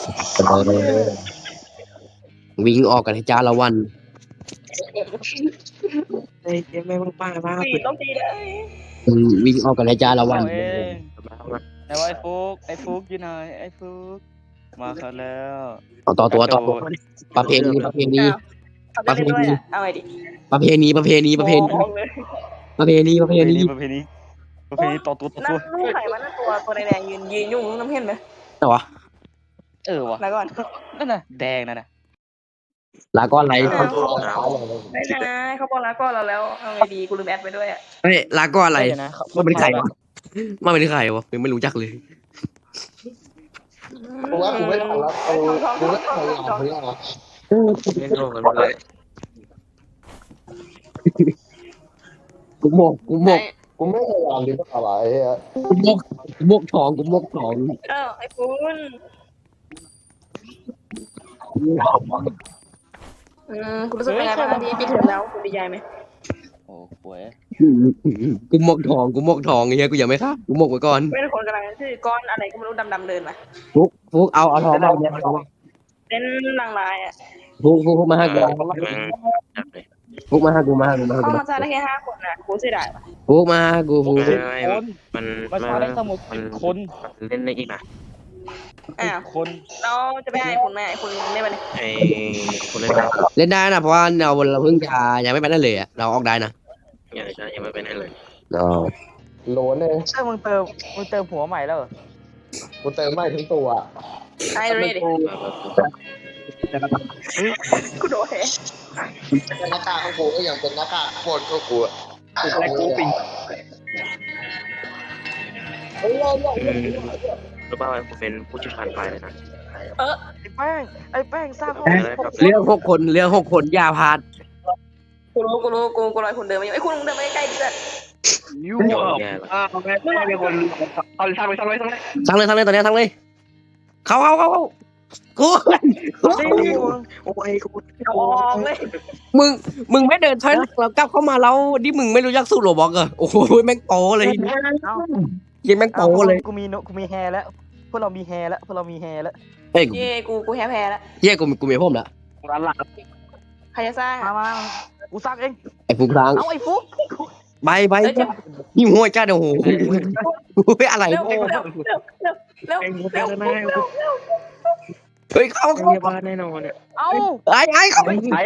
เออวิ่งออกกันให้จ้าละวันไอ้เจ๊แม่งป้ามากตีต้องตีเลยวิ่งออกกันให้จ้าละวันเอาเองแต่ว่าไอ้ฟุกอยู่ไหนไอ้ฟุกมาครับแล้วต่อตัวประเพณีเอาไปเล่นด้วยอ่ะเอาไงดิประเพณีมองเลยประเพณีต่อตัวนั่นลูกไข่มันนั่นตัวแดงยืนยุ่งน้ำเห็นไหมแต่วะวะแล้วก่อนนั่นน่ะแดงนั่นน่ะลาก้อนอะไรไม่นะเขาบอกแล้วก็เราแล้วเอาไงดีกูลืมแอดไปด้วยอ่ะเฮ้ยลาก้อนอะไรเดี๋ยวนะมันเป็นใครวะมันเป็นใครวะยังไม่รู้จักเลยกูว่ากูไม่ทันแล้วกูไม่ทันแล้วเพื่อนไม่โดนกันเลยกูโมกกูไม่พยายามหรือเปล่าไอ้เหี้ยกูโมกทองไอ้ปุ้นคุณรู้สึกยังไงบ้างที่ปิดเทอมแล้วคุณดีใจไหมโอ้โหวยกูโมกทองไอ้เงี้ยกูยังไม่ครับกูโมกไว้ก่อนเป็นคนกำลังชื่อก้อนอะไรก็ไม่รู้ดำๆเดินมาฟุกเอาทองมาเนี่ยเป็นนางลายอ่ะฟุกมาให้กูฟุกมาให้กูเข้ามาซะได้แค่5 คนนะกูเสียดายว่ะฟุกมากูมันมาช้าได้ทั้งหมด10 คนเล่นได้อีกนะอ้าวคนเราจะไปให้คุณแม่คุณได้ไหมไอ้คนเล่นได้เล่นได้นะเพราะว่าเราเพิ่งจะยังไม่ไปได้เลยอะเราออกได้นะยังไม่เป็นอะไรเลยโหลนเองใช่มึงเติมหัวใหม่แล้วเหรอกูเติมไม่ทั้งตัวไอ้เรดกูโดนแฮหน้ากากของกูก็ยังเป็นหน้ากากโคตรก็กูแต่กูปิงรู้ป่าวกูเป็นผู้เชี่ยวชาญไฟเลยนะไอ้แป้งสร้างห้องเรื่อง6 คนอย่าพลาดกูรู้กูรอคนเดินมาอยู่ไอ้คุณเดินมาใกล้ๆดิจ้ะยูแย่ละไม่มีคนเอาทำเลยทั้งเลยตอนนี้ทั้งเลยเข้ากูโอ้ยกูออกเลยมึงไม่เดินถอยหลังเรากลับเข้ามาแล้วดิมึงไม่รู้จักสูตรโรบอกเหรอโอ้โหแม่งโปเลยยิงแม่งโปเลยกูมีแฮร์แล้วพวกเรามีแฮร์แล้วเฮ้ยเย่กูแพ้แล้วเย้กูมีพ่มแล้วร้านหลังใครจะสร้างมากูสร้างเองไอ้ฟุกทางเอาไอ้ฟุกใบนี่หัวจ้าเดี๋ยวโหอะไรเร็วเฮ้ยเข้าเรียบร้อยแน่นอนเนี่ยเอาไอ้เข้า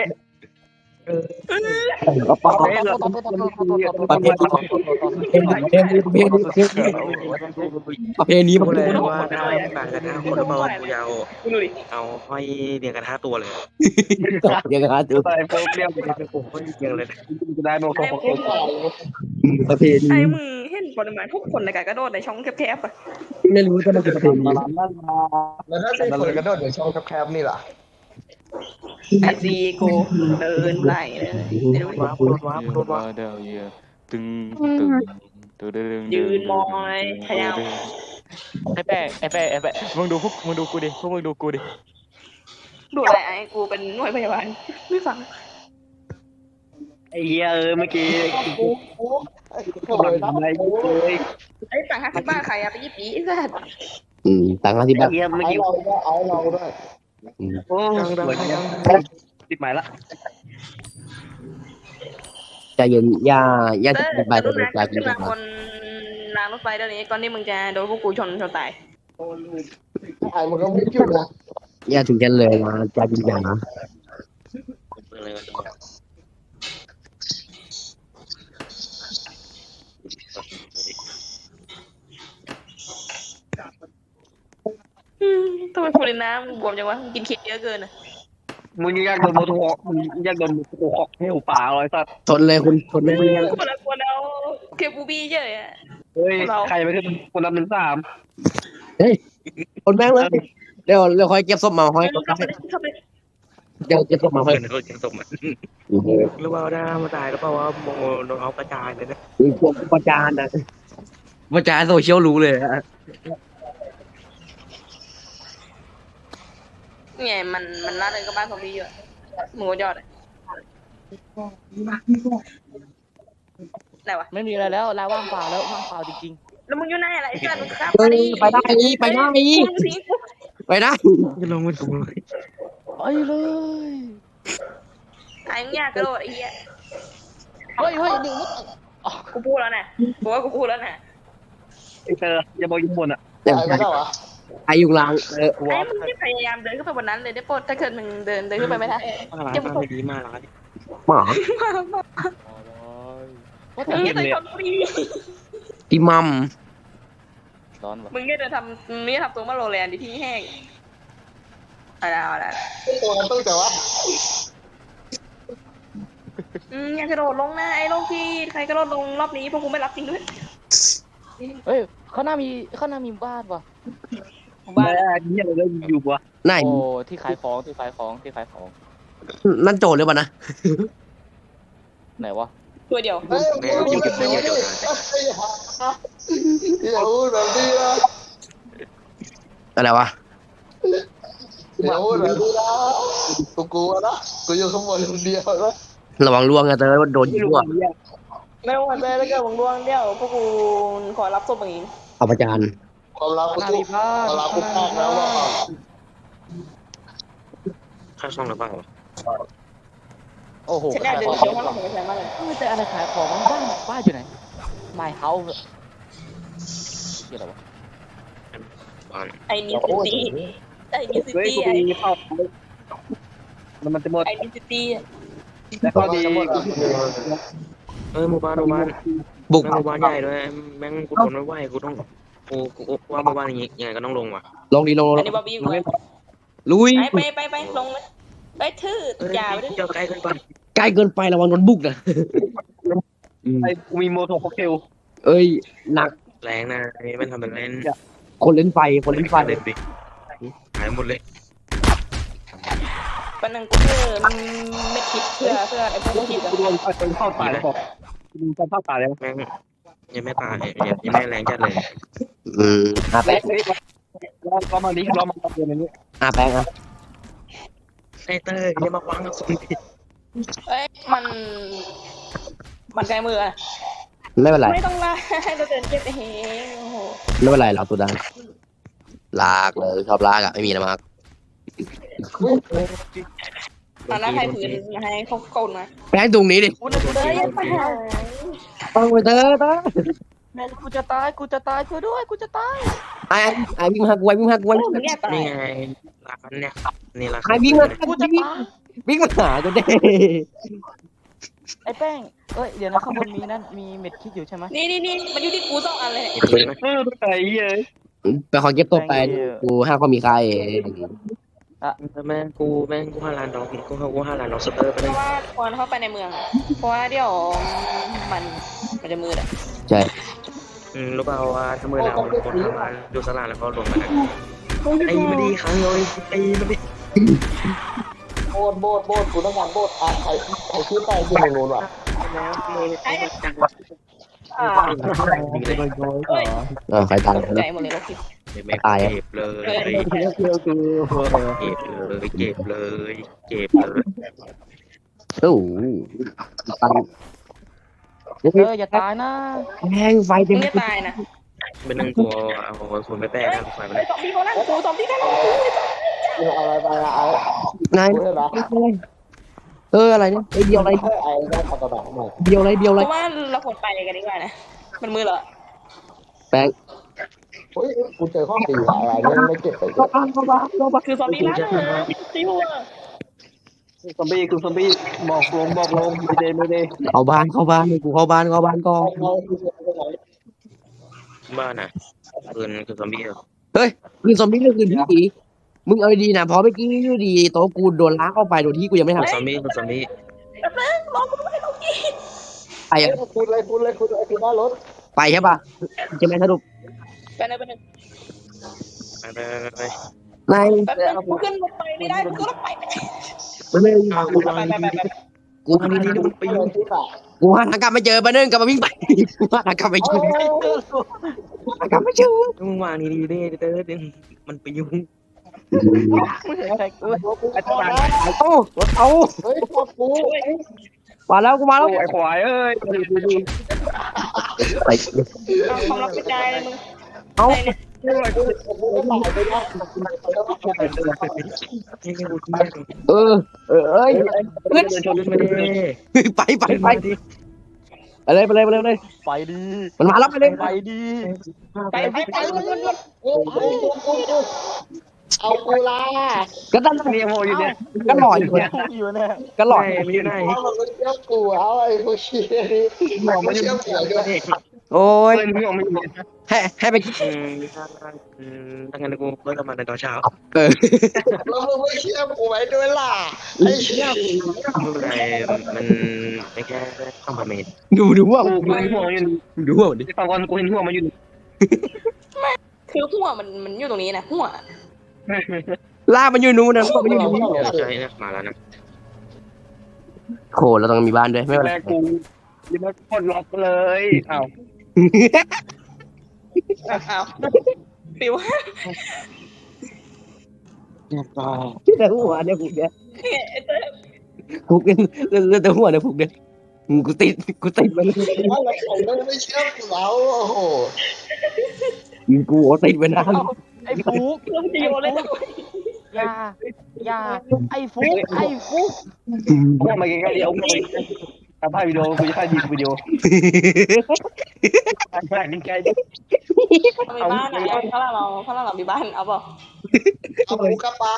ประเพณีกูเลยว่าได้ต่างกัน5 คนหรือเปล่ากูยาวดูดิเอาห้อยเรียงกัน5 ตัวเลยยังไงฮะตัวไอ้พวกเรียงเป็นโอ้โหเรียงเลยจะได้โมโหประเพณีไอ้มึงเห็นปริมาณทุกคนในการกระโดดในช่องแคบๆอ่ะไม่รู้จะมันเป็นประเพณีแล้วถ้าเป็นคนกระโดดในช่องแคบๆนี่ล่ะไอซีกูเดินไล่เลยว้าเดี๋ยวเยอะตึงยืนมองเลยพยายามไอ้แป้งมึงดูกูดิพวกมึงดูกูดิดูอะไรไอ้กูเป็นหน่วยพยาบาลไม่ฟังไอ้เหี้ยเมื่อกี้ไอ้ต่าง50 บาทใครอะไปยิบปีไอ้สัสต่างกันที่แบบเหี้ยเมื่อกี้เอาเราด้วยโอ้ติดหมายละใจเย็นอย่าจะไปรุ่นใจนั้นเย็ขึ้นมาน บนรางรถไฟเดี๋ยวนี้ก่อนที่มึงจะโดนพวกกูชนตายไอ้มันก็ไม่จุดนะอย่าถึงกันเลยนะใจเย็นนะทำไมพูดในน้ำบวมจังวะกินเค้กเยอะเกินอะมึงอยากโดนโมโหมึงอยากโดนโมโหให้หูป่าเลยสัตว์ทนเลยคุณทนไม่ได้คนละคนเอาเคปูบี้เยอะอะเฮ้ยใครไปขึ้นคนนับ1 3 ทนแม่งเลยเดี๋ยวคอยเก็บศพมาห้อยเข้าไปเดี๋ยวเก็บศพมาห้อยเพื่อนเขาจะส่งมาหรือว่าได้มาตายแล้วเปล่าว่าโมโดนเอากระจายเลยนะพวกประจานนะประจานโซเชียลรู้เลยไงมันน่าเลยกับบ้านของพี่เยอะหมูยอดไหนวะไม่มีอะไรแล้วลาว่างเปล่าแล้วว่างเปล่าจริงแล้วมึงอยู่ไหนอะไรไอ้สัสมึงครับไปได้มึงสิไปนะจะลงไปตรงไหนไปเลยไอ้มึงอยากกระโดดไอ้เหี้ยเฮ้ยหนึ่งมุดกูพูดแล้วนะกูว่ากูพูดแล้วนะไอ้เธออย่าบอกยุ่งบนอ่ะไอ้ไม่ได้วะไออยู่หลังไอ้มึงไม่พยายามเดินขึ้นไปบนนั้นเลยได้โปรดถ้าเกิดมึงเดินขึ้นไปไม่ได้ร้านไม่ดีมากร้านหมาว่ามึแต่งเห็ไม่นเคยเลยทำฟรีพี่มัมร้อนวะมึงแค่เดินทำมึงไม่ทำตัวมาโรแลนด์ที่แห้งอะไรตัวนั้นต้องแต่ว่าอยากกระโดดลงนะไอ้โลกที่ใครกระโดดลงรอบนี้พวกกูไม่รับจริงด้วยเฮ้ยข้างหน้ามีบ้านวะบ้าเนี่ยเราอยู่วะไหนโอ้ที่ขายของนั่นโจรหรือเปล่านะไหนวะตัวเดียวเฮ้ยอย่าพูดแบบนี้นะอะไรวะอย่าพูดแบบนี้นะกูกลัวนะกูอยู่ข้างบนคนเดียวนะระวังล่วงนะเตอโดนยิงด้วยไม่ว่าจะแล้วก็วงดวงเดียวพวกกูขอรับศพอย่างนี้เอาประจานความรักกูข้างหน้าสู้มีบ้านความรักกูพลาดแล้วว่าค่าช่องหรือเปล่าโอ้โหฉันอยากเดินเที่ยวข้างหลังของฉันมากเลยแต่อะไรขายของบ้านอยู่ไหน My House เกี่ยวอะไรวะบ้านไอ้นิวซิตี้ไอ้นิวซิตี้ไอ้มันจะหมดไอ้นิวซิตี้แล้วก็ดีหมู่บ้านบุกหมู่บ้านใหญ่ด้วยแม่งกูทนไม่ไหวกูต้องกูว่าหมู่บ้านอย่างงี้ยังไงก็ต้องลงว่ะลงดีลงอันนี้บอบบี้อยู่เลยลุยไปลงเลยไปทื่ออย่าไปด้วยเจ้าใกล้ขึ้นไปใกล้เกินไประวังโดนบุกนะไอ้กูมีโมโทค็อกเทลเอ้ยหนักแรงนะนี่มันทำเป็นเล่นคนเล่นไฟคนเล่นไฟเล่นดิหายหมดเลยปันนึงกูไม่คิดเพื่อไอ้พวกคิดกูโดนคนเข้าตายแล้วบอกกูโดนเข้าตายแล้วแม่งยังไม่ตายยังไม่แรงจัดเลยอาแป้งเรามาดิเรามาตะเกียบนี้อาแป้งอ่ะไอ้เต้ยอย่ามาฟังกับคนผิดเอ้ยมันไกลมือไม่เป็นไรไม่ต้องลาให้เราเดินเก็บเองโอ้โหไม่เป็นไรเราตัวดังลากเลยชอบลากอ่ะไม่มีนะมากตอนนั้นให้พื้นให้เขาโกนมาแป้งตรงนี้ดิกูเดินยังไปหาต้องไปเถอะแม่กูจะตายช่วยด้วยกูจะตายไอ้วิ่งมากูไอ้วิ่งมากูไอ้มึงเนี่ยตายนี่ไงร้านเนี่ยนี่ร้านไอ้วิ่งมากูจะตายวิ่งมาหากูเด้ไอ้แป้งเอ้ยเดี๋ยวนะข้างบนมีนั่นมีเม็ดคิดอยู่ใช่ไหมนี่มันอยู่ที่กู2 อันเลยไอ้เหี้ยไปขอเก็บตัวไปกูห้าก็มีใครแม่งกู5 ล้านดอกกู5 ล้านดอกสเตอร์ไปเพเลยราะว่าควรเข้าไปในเมืองเพราะว่าเดี๋ยวมันจะมืดอ่ะใช่รู้เปล่าว่าถ้ามือหนาวคนทำงานดูสลาแล้วก็ลงมาไอ้ไม่ดีครั้งเลยไอ้ไม่ดีโบดกูต้องการโบดใครชื่อไปที่ไหนนู้นวะจังหวะใครตายใจหมดเลยโลกิไม่เก็บเลยเก็บเลยโอ้ตันอย่าตายนะแรงไฟมึเต็มงจะตายนะเป็นหนึ่งกลัวเอาคนไปแปะนะไฟมันไอ้ซอมบี้เขานั่งกูซอมบี้เขานั่งกูอะไรไปอะไอ้นายกูได้ปะอะไรเนี่ยไอเดียวอะไรไอ้ได้ขับกระบะหน่อยเดียวอะไรเพราะว่าเราควรไปกันดีกว่านะมันมืดเหรอแป้งเฮ้ยกูเจอข้อตีอะไรเนี่ยไม่เก็บไปเก็บคือซอมบี้ร้านซิวซอมบี้บอกลงไม่ได้เข้าบ้านกูเข้าบ้านก่อนบ้านน่ะคือซอมบี้เฮ้ยคืนซอมบี้ก็คืนที่ดีมึงเอาดีนะเพราะเมื่อกี้อยู่ดีโต๊ะกูโดนล้างเข้าไปโดยที่กูยังไม่ทำซอมบี้รอกูด้วยโลกิไปอ่ะคุณเลยคือหน้ารถไปใช่ป่ะจะไม่สรุปไปเลยไปนายแป๊บนึงกูขึ้นรถไปไม่ได้กูก็ต้องไปมันเลยไปกูทำดีๆไปยุ่งกูหาทางกลับไม่เจอมาเนื่องกลับมาวิ่งไปกูหาทางกลับไม่เจอทางกลับไม่เจอมึงวางดีๆเต้มันไปยุ่งไม่ใช่ใครกูไอ้ตายเอาเฮ้ยพวกกูมาแล้วกูมาแล้วไอ้ควายเอ้ยไปความรับกระจายเลยมึงเอาเออเอ้ยเดินชนไม่ได้ไปไปเลยไปดีมันมาแล้วไปเลยไปดีไปเอากูละก็ตั้งเนี่ยโมอยู่เนี่ยก็หล่ออยู่นะอยู่เนี่ยก็หล่อไม่อยู่ไหนเอามันเชื่อกูเอาไอ้พวกเชี่ยนี่ไม่เชื่อกูด้วยโอ้ยเพื่อนพี่ออกไม่อยู่ให้ไปถ้างั้นกูเลิกทำงานในตอนเช้าเออแล้วมึงไม่เชื่อกูไว้ด้วยล่ะไอ้เชี่ยไม่เป็นไรมันไม่แค่ข้ามพาเมตรดูว่ากูเห็นหัวอยู่ดูว่าดิฟังก่อนกูเห็นหัวมันอยู่คือหัวมันอยู่ตรงนี้นะหัวล่ามันอยู่นู้นนะมันอยู่นู้นใช่นะมาแล้วนะโคเราต้องมีบ้านด้วยไม่เป็นไรแม่กูยังไม่กดล็อกเลยอ้าวอ้าวฟิวแต่หัวเนี่ยผูกเนี่ยไอ้เต้ยผูกเนี่ยแต่หัวเนี่ยผูกเนี่ยกูติดมันว่าเราไม่เชื่อกูแล้วโอ้โหกูติดไปนานไอ้ฟุกเราจะโยนเลยอย่าไอ้ฟุกกูมาใกล้ๆเดี๋ยวกูทำภาพวิดีโอกูจะถ่ายวิดีโอถ่ายใกล้ๆมีบ้านอ่ะถ้าเรามีบ้านเอาเปล่าเอากูกลับไป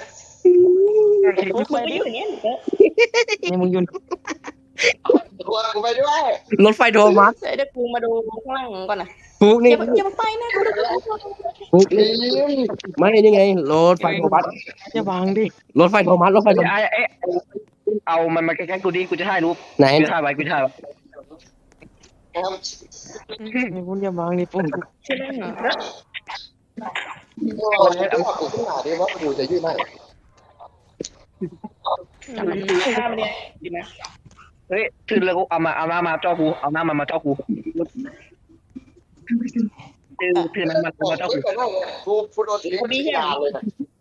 มึงก็อยู่อย่างนี้นี่มึงยืนชวนกูไปด้วยรถไฟโทมัสเดี๋ยวกูมาดูข้างล่างก่อนนะผูกอนี่ย่าไปนะกูดูผูกทีมไม่นี่ไงรถไฟโทมัสอย่าวางดิรถไฟโทมัสเอามันมาใกล้ๆกูดิกูจะถ่ายรูปไหนกูถ่ายไว้กูถ่ายไว้ครับนี่คุณอย่าวางดิปุ่นชื่อนั่นเหรอเอากูขึ้นมาดิว่ากูจะยื่นให้ข้ามเนี่ยดีไหมเฮ้ยถือเลยกูเอามาจ่อกูเอาหน้ามาจ่อกูถือน้ำมาจ่อกูกูโดนทิ้งที่ยาเลยนะ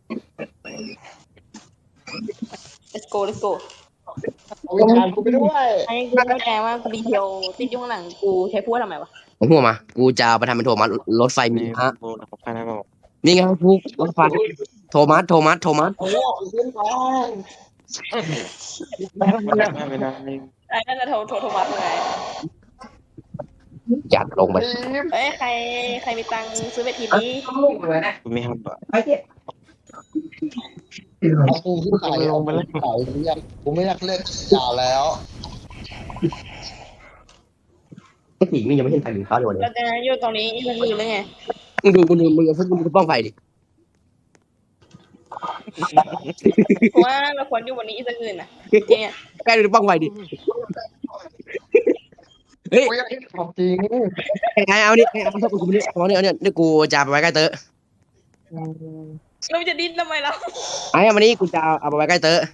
let's go เอาวิญญาณกูไปด้วยไอ้กูเข้าใจว่ากูดีเทลติดอยู่ข้างหลังกูใช้พูดทำไมวะผมหัวมากูจะเอาไปทำเป็นโทมัสรถไฟมีฮะนี่ไงผูกรถไฟโทมัสโอ้โหกูขึ้นไปไอ้นั่นจะโทรมาเมื่อไงจัดลงไปทีมเอ้ยใครมีตังค์ซื้อเวทีนี้ไม่ครับเอากูขึ้นไปลงไปเลยกูไม่อยากเล่นยาแล้วไอ้ผีนี่ยังไม่เห็นใครถึงเขาเลยวันนี้เราจะอยู่ตรงนี้อีกมือเลยไงมึงดูมึงป้องไฟดิเพราะว่าเราควรอยู่วันนี้อีกสักคืนนะเนี่ยแกดูป้องไฟดิเฮ้ยกูอยากเห็นของจริงไอ้เอานี่เอากูนี่เอานี่กูจะไปไว้ใกล้เตอเราจะดิ้นทำไมเราไอ้วันนี้กูจะเอาไปไว้ใกล้เตอ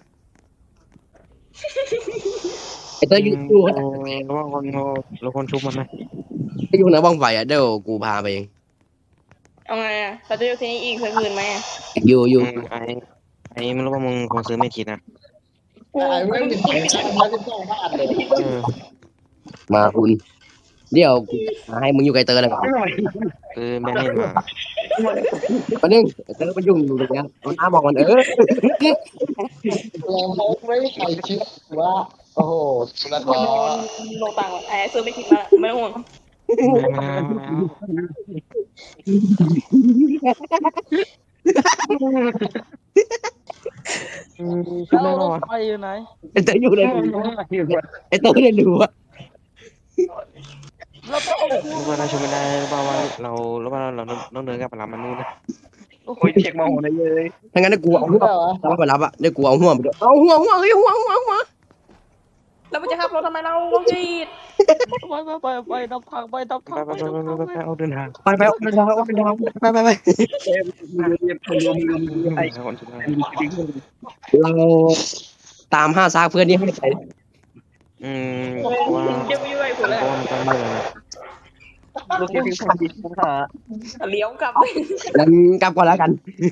ไอ้เตออยู่ระวังคนชุบมันนะอยู่ไหนบ้องไฟอ่ะเดี๋ยวกูพาไปเองเอาไงอ่ะเราจะอยู่ที่นี่อีกสักคืนไหมอยู่ไอ้ไม่รู้ว่ามึงคงซื้อไม่คิดนะกูไอ้ไม่มีใครมาที่ต้องบ้านเลยมาคุณเดี๋ยวกูให้มึงอยู่ใกล้เตอเลยก่อนแม่เห็นมาวันนึงเตอมันยุ่งอยู่ตรงนี้มันอ้ามองมันเราไม่ใครคิดว่าโอ้โหสุดยอดลงตังค์ไอ้ซื้อไม่คิดมาไม่ต้องห่วงแล้วรถไฟอยู่ไหนไอ้เตออยู่ในไอ้เตอในรูอ่ะเราต้องเอากูรู้ว่าเราชมไม่ได้รู้ว่าเราต้องเดินกลับไปรับมันนู่นนะโอ้ยเช็คมองหัวได้เลยถ้างั้นกูเอาหัวรับไปรับอ่ะเดี๋ยวกูเอาหัวไปด้วยเอาหัวเฮ้ยหัวแล้วมันจะขับรถทำไมเราลงจีดไปนับทางไปเอาเดินทางไปไปเราตาม5ซากเพื่อนนี่ให้ไปว่าจะไปด้วยผมเลยมันต้องเดินลูกที่ทำดีทุกท่าเลี้ยวกลับงั้นกลับก่อนแล้วกัน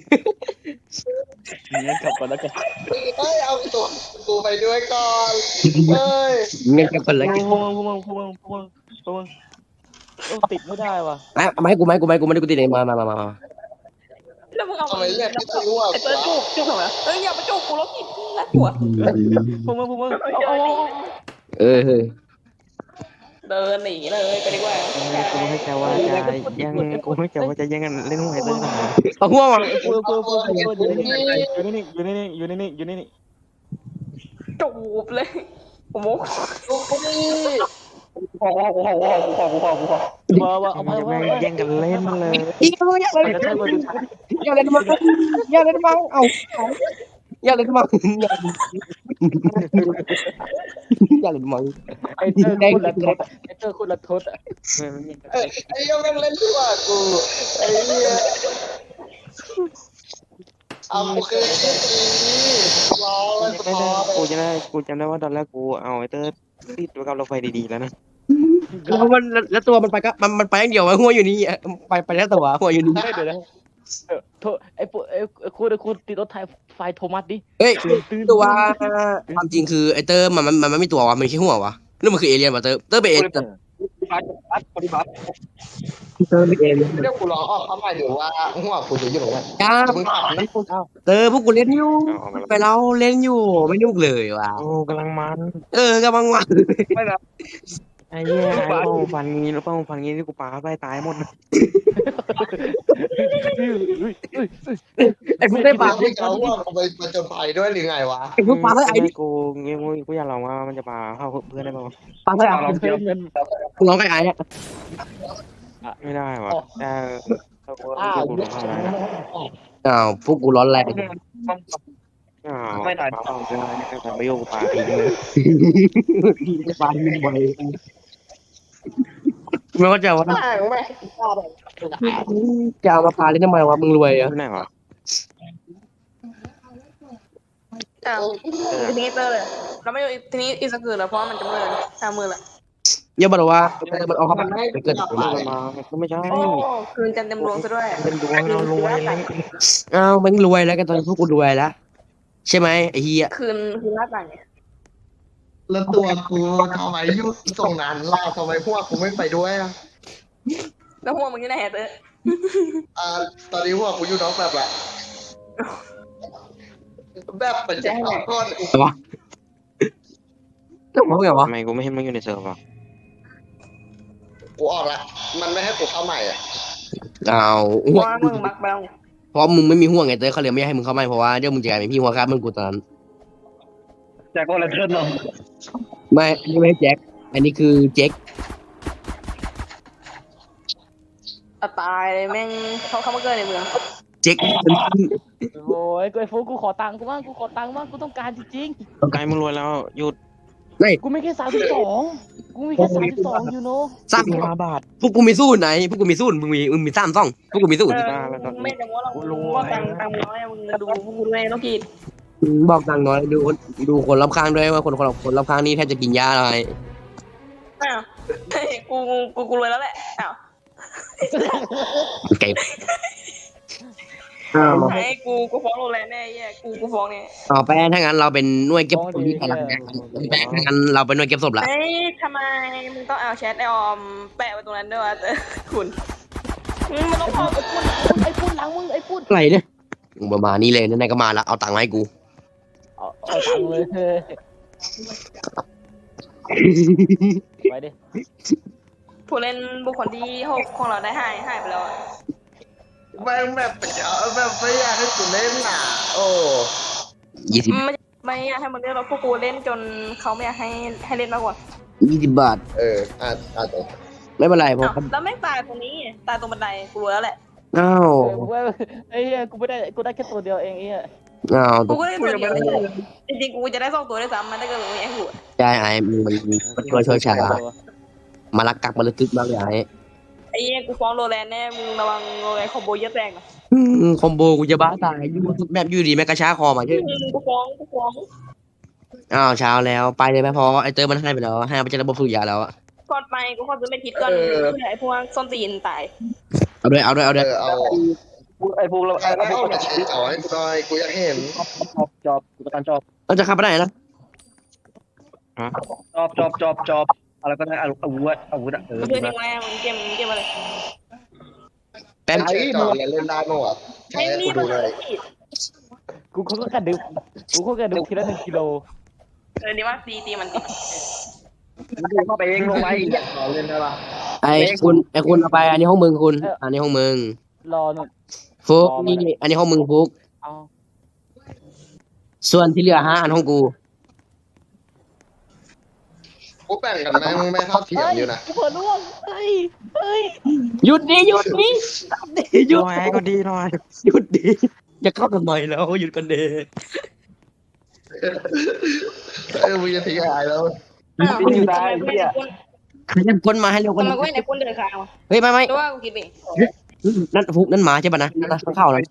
กลับก่อนแล้วกันเฮ้ยเอาตัวกูไปด้วยก่อนเฮ้ยงั้นกลับก่อนแล้วกันพวงติดไม่ได้ว่ะมาให้กูไม่ได้กูติดเองมาแล้วมึงเอาทำไมเรียกไม่ใช่ว่าไอ้เต้ยจุกทำไมเอ้ยอย่ามาจุกกูแล้วผิดน่ากลัวพวกมึงเอาเออเดินหนีเลยไปดีกว่ากูไม่แค่ว่าจะยังกูไม่แค่ว่าจะยังกันเล่นหวยตั้งแต่เอาหัวมาอยู่นี่จูบเลยโอ้โหว่าเอาจะแม่งแย่งกันเล่นเลยอีกแล้วอยากเล่นมังเอาอยากเล่นมังไอ้เตอร์คุณละทศอ่ะไอ้ยังแม่งเล่นดีกว่ากูไอ้เนี่ยเอาโอเครอไว้พอกูจำได้ว่าตอนแรกกูเอาไอ้เตอร์ติดไว้กับรถไฟดีๆแล้วนะแล้วตัวมันไปก็มันไปอย่างเดียวหัวอยู่นี่ไปแล้วตัวหัวอยู่นี่เดี๋ยวนะไอ้คุณติดรถไฟโทมัสดิเฮ้ยตัวความจริงคือไอเตอร์มันไม่มีตัววะมันแค่หัววะนี่มันคือเอเลี่ยนวะเตอร์เป็นเอเลี่ยน เตอร์เป็นเอเลี่ยนเรียกกูรอเขาหมายถึงว่าหัวกูจะอยู่ตรงไหนจ้ามึงขับนะเตอร์พวกกูเล่นอยู่ไปเราเล่นอยู่ไม่นุ่กเลยว่ะโอ้กำลังมันกำลังวันไอ้เหี้ยไอ้ป้องฟันงี้ที่กูปาไปตายหมดไอ้พวกได้ปากไม่เอาว่าไปประจนภัยด้วยหรือไงวะไอ้พวกปลาเท่าไอ้นี่กูอยากลองว่ามันจะปาเข้าเพื่อนได้ป่าวปลาเท่าไอ้กูร้องไอ้เนี่ยไม่ได้ว่ะแต่กูร้องอะไรอ้าวพวกกูร้อนแรงไม่ได้ปาไม่ได้แต่ไม่โยกปาทิ้งเลยปลาไม่บ่อยไม่เข้าใจว่าจะเอามาปลาเล่นทำไมวะมึงรวยอ่ะไม่ได้หรออ้าวทีนี้เตอร์เลยเราไม่ทีนี้อีสกือแล้วเพราะมันจะมือมือละอย่าบอกว่ามันเอาเข้าไปเกิดก็ไม่ใช่โอ้คืนจันเต็มดวงซะด้วยเป็นดวงเรารวยอ้าวมึงรวยแล้วกันตอนพวกกูรวยแล้วใช่ไหมไอ้เหี้ยคืนหน้าต่างไงแล้วตัวกูทำไมยุ่งตรงนั้นล่ะทำไมพวกกูไม่ไปด้วยอ่ะแล้วหัวมึงที่ไหนเตอร์ตอนนี้พวกกูอยู่น้องแบบละแบบเป็นเจ้าก้อนต้องบอกไงวะทำไมกูไม่เห็นมันอยู่ในเซิร์ฟอ่ะกูออกละมันไม่ให้กูเข้าใหม่อ่ะอ้าวเพราะว่ามึงบักไปแล้วเพราะมึงไม่มีห่วงไงเต้เขาเลยไม่ให้มึงเข้ามาเพราะว่าเดี๋ยวมึงจะกลายเป็นพี่หัวครับมึงกูตอนนั้นแจ็คก็เลยเทิร์นเนาะไม่อันนี้ไม่ใช่แจ็คอันนี้คือเจ๊กตายเลยแม่งเขามาเกิดในเมืองเจ๊กโอ้ยไอ้ฟูกูขอตังค์กูบ้างกูต้องการจริงกายมึงรวยแล้วหยุดกูไม่แค่32กูมีแค่32อยู่เนาะสาม 5 บาทพวกกูมีสู้ไหนพวกกูมีสู้มึงมีสามซ่องพวกกูมีสู้ไม่แต่ว่าเราว่าตังน้อยมึงดูพวกกูด้วยต้องกินบอกตังน้อยดูคนรอบข้างด้วยว่าคนรอบข้างนี่แทบจะกินยาอะไรอ้าวกูรวยแล้วแหละอ้าวเก็บไอ้กูฟ้องโรงแรมแน่แย่กูฟ้องเนี่ยต่อไปถ้างั้นเราเป็นหน่วยเก็บศพที่กำลังถ้างั้นเราเป็นหน่วยเก็บศพละเฮ้ยทำไมมึงต้องเอาแชทไอออมแปะไว้ตรงนั้นด้วยวะคุณมันต้องพอไอ้พูดหลังมึงไอ้พูดอะไรเนี่ยประมาณนี้เลยนั่นก็มาละเอาตังค์มาให้กูเอาตังค์เลยไปดิผู้เล่นบุคคลที่6ของเราได้หายไปแล้วอะแม่งแบบแบบไม่อยากให้กูเล่นอ่ะโอ้ 20 ไม่อยากให้มันเล่นเราพวกกูเล่นจนเขาไม่อยากให้เล่นมากกว่าบาทอาจจะไม่เป็นไรเพราะแล้วไม่ตายตรงนี้ตายตรงบันไดกูรู้แล้วแหละอ้าวไอ้กูไม่ได้กูได้แค่ตัวเดียวเองไอ้อ้าวกูก็ได้ตัวเดียวจริงๆกูจะได้2ตัวด้วยซ้ำมันถ้าเกิดมึงไม่ให้กูใจไอ้มันช่วยชามาลักกักมาลึกมากเลยไอ้ไอ้กูฟ้องโรแลนด์แน่มึงระวังโรแลนด์คอมโบเยอะแตกนะคอมโบกูจะบ้าตายแบบอยู่ดีแม่กระชากคอมาใช่กูฟ้องอ้าวเช้าแล้วไปเลยไหมพอไอเตอร์มันให้ไปแล้วให้ไปจะระบบสุริยาแล้วก่อนไปกูขอซื้อเม็ดพิษก่อนเพื่อไอ้พวกส้นตีนตายเอาด้วยเอาไอ้พวกเราไอ้พวกมาชี้จ่อให้กูหน่อยกูอยากเห็นจอบกูต้องการจอบเราจะขับไปไหนนะจอบอะไรก็ได้อาวุธมึงเพื่อนยังไงมึงเกมอะไรแป๊บไอ้จอดเล่นได้มั้งวะใช้ไม่มีกูมัดูนเลยกูก็กระดึบทีละ1 กิโลดีมากตีมันเข้าไปเองลงไปจอดเล่นได้ปะไอ้คุณเอาไปอันนี้ห้องมึงคุณ อันนี้ห้องมึงรอหน่อยฟุกนี่อันนี้ห้องมึงฟุกเอาส่วนที่เหลือ5 อันห้องกูกูแบ่งกันแม่งไม่เท่าเทียมอยู่นะกูเปิดล่วงเฮ้ยหยุดดิหยุดดิตามดิหยุดหน่อยก็ดีหน่อยหยุดดิอย่าเข้าทำไมแล้วหยุดกันเดมึงจะทิ้งหายแล้วอยู่ได้เนี่ยขยับก้นมาให้เร็วกทำว่าไมนี้กูในคนเดินข้างวะเฮ้ยไม่หรือว่ากูคิดเองนั่นฟุกนั่นหมาใช่ป่ะนะนั่นนะข้างเข้าเลย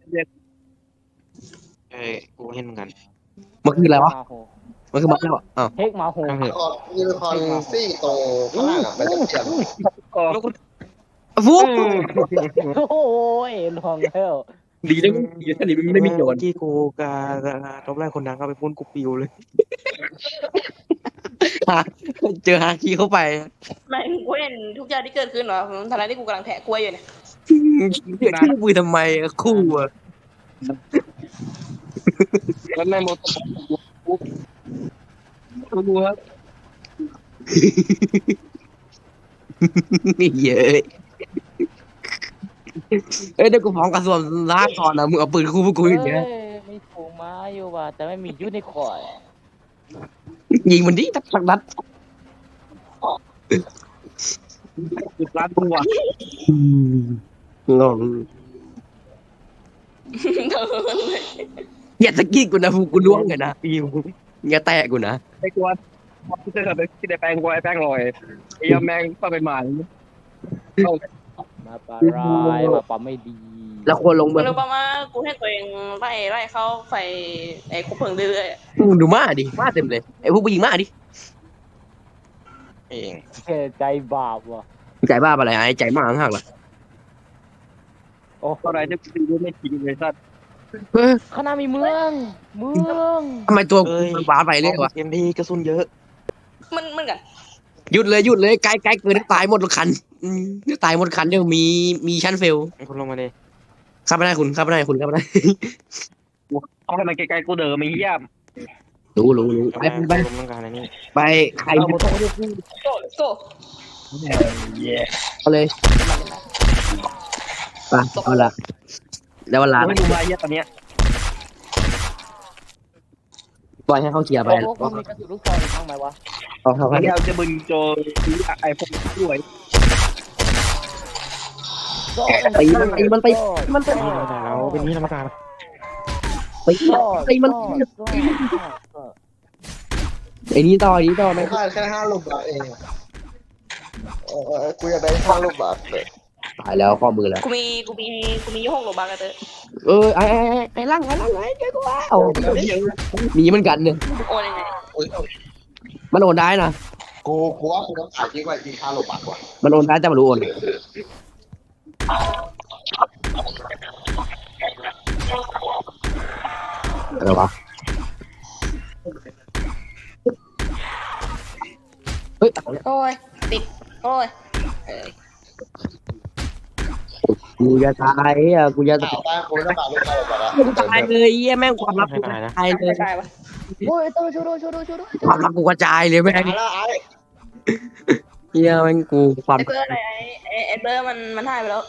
กูเห็นเหมือนกันมันคืออะไรวะมาโหมันคือหมาแล้วอะอ้าวเฮกมาโหตั้งเถอะคอนยูนิคอนซี่ตรงข้างล่างอ่ะเป็นเทียมแล้วกูฟุกโอ้ยลองแล้วดีนะอยู่ท่านี้มันไม่มีโยนที่กูกับรอบแรกคนดังก็ไปพ่นกูปิวเลยเจอฮาคีเข้าไปไม่กูเห็นทุกอย่างที่เกิดขึ้นเหรอทนายที่กูกำลังแทะกล้วยอยู่เนี่ยชื่อมือทำไมคู่อะแล้วในโมโตกูครับเยอะเอ้ยเดี๋ยวกูฟ้องกระทรวงลาก่อนนะมึงเอาปืนคู่พวกกูอย่างเงี้ยมีถุงมาอยู่ว่ะแต่ไม่มียูนิคอร์นยิงมันดิสักนัดกูรัดกูอ่ะงงอย่าตะกี้กูนะฟูกูล่วงเลยนะปิวอย่าแตะกูนะไอ้กวนที่จะทำไปที่ได้แป้งกวยแป้งลอยไอ้ยาแมงก็เป็นหมามาปลาร้ายมาปลาไม่ดีแล้วควรลงมึเมืองรู้ป่ะว่ากูเห็นตัวเองไล่เข้าไฟไอ้คุกเพลิงเรื่อยมึงดูมาดิมาเต็มเลยไอ้พวกผู้หญิงมาดิเองใจบาปว่ะใจบ้าอะไรไอ้ใจมาห่างๆล่ะโอ้ตอนไหนจะปิวไม่กินเลยสัตว์เฮ้ยข้างหน้ามีเมืองทำไมตัวมันบ้าไปเลยวะเอ็มพีกระสุนเยอะๆมันกันหยุดเลยไกลเกินตายหมดคันตายหมดคันเดี๋ยวมีชั้นเฟลคนลงมาเลยข้าไม่ได้คุณข้าไม่ได้คุณข้าไม่ได้เอาให้มันไกลๆกูเดิมไม่เหี้ยมรู้ไปลงต้องการอะไรนี่ไปใครเอาหมดต้องเรียกกูโซ่เอาเลยไปเอาละแล้วเวลาไม่ดูมาเหี้ยตอนเนี้ยปล่อยให้เขาเคลียร์ไปโอ้คุณมีกระสุนลูกซองอีกบ้างไหมวะเอาเขาอันนี้ให้เอาจะบึงโจไอพวกด้วยตีมันไปเราเป็นนี่ธรรมการตีมันไอ้นี่ต่อไม่แค่5 ลูกบาทเองกูอยากได้5 ลูกบาทเลยตายแล้วข้อมือแล้วกูมี6 โลบักอะเตอไอ้ล่างเจ้ากูว่าเอามีเหมือนกันเนี่ยโอนยังไงมันโอนได้นะกูว่ากูต้องขายยิ่งกว่าอีก5 ลูกบาทกว่ามันโอนได้แต่มันรู้โอนอะไรวะเฮ้ยโอ้ยติดโอ้ยกูจะตายอ่ะกูจะข่าวใต้กูต้องขายลูก5 ลูกบาทกูตายเลยเยี่ยแม่งความลับกูตายเลยใช่ปะโอ้ยต้องช่วยด้วยความลับกูกระจายเลยแม่งแล้วไอ้เยี่ยแม่งกูความไอ้เตอร์อะไรไอ้เตอร์มันหายไปแล้ว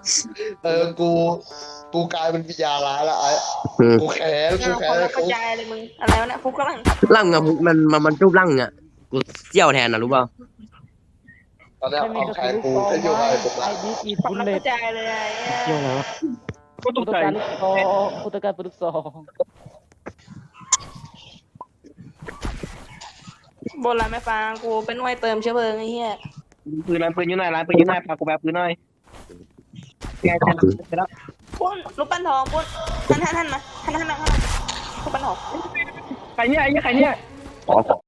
กูกลายเป็นวิญญาณร้ายแล้วไอ้กูแค้นคนละกระจายเลยมึงอะไรวะเนี่ยฟุกกำลังร่างอะมันรูปร่างอะกูเจี้ยวแทนนะรู้เปล่าตอนนี้ไม่มีเอากระแค้สุนนลูกกูซองจะอยู่ไหมอะไรกูไอ้ดิอีคนบุลละเลกตระจายเลยไอ้เที่ยวแล้วก็ตกูกต้องใจการลูกซองกูต้องการลูกซองบนร้านแม่ฟางกูเป็นหน่วยเติมเชื้อเพลิงไอ้เหี้ยปืนอยู่ไหนร้านปืนอยู่ไหนพากูแบบปืนหน่อยไงจะรับปุ้นลูกปั้นทองปุ้นหันมาลูกปั้นทองใครเนี่ยไอ้ใครเนี่ยขอ